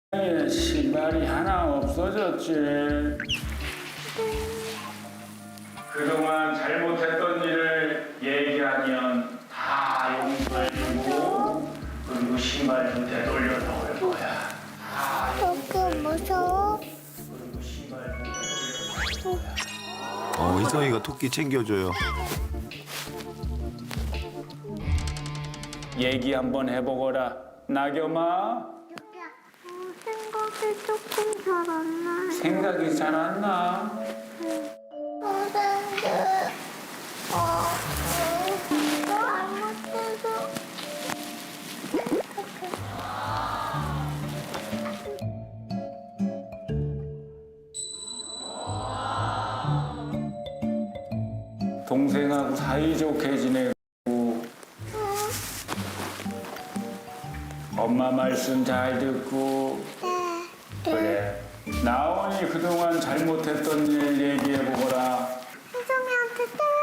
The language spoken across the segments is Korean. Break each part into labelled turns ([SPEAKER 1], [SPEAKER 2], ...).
[SPEAKER 1] 신발이 하나 없어졌지. 그동안 잘못했던 일을 얘기하면 다 용서해주고 그리고 신발도 되돌려 놓을 거야.
[SPEAKER 2] 그렇게 무서워?
[SPEAKER 1] 그리고 신발도 되돌려 놓을 거야.
[SPEAKER 3] 희성이가 토끼 챙겨줘요.
[SPEAKER 1] 얘기 한번 해보거라, 나겸아.
[SPEAKER 2] 생각이 조금 잘 안 나요.
[SPEAKER 1] 생각이 잘 안 나.
[SPEAKER 2] 선생님, 잘못해서.
[SPEAKER 1] 동생하고 사이좋게 지내고 엄마 말씀 잘 듣고. 그래. 나원이 그동안 잘못했던 일 얘기해보거라.
[SPEAKER 2] 혜정이한테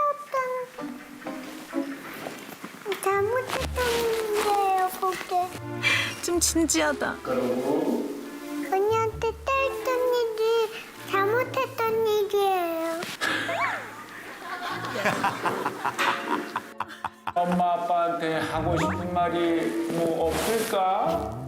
[SPEAKER 2] 때렸던 잘못했던 일이에요, 그게.
[SPEAKER 4] 좀 진지하다.
[SPEAKER 1] 그러고
[SPEAKER 2] 언니한테 때렸던 일이 잘못했던 일이에요.
[SPEAKER 1] 엄마 아빠한테 하고 싶은 말이 뭐 없을까?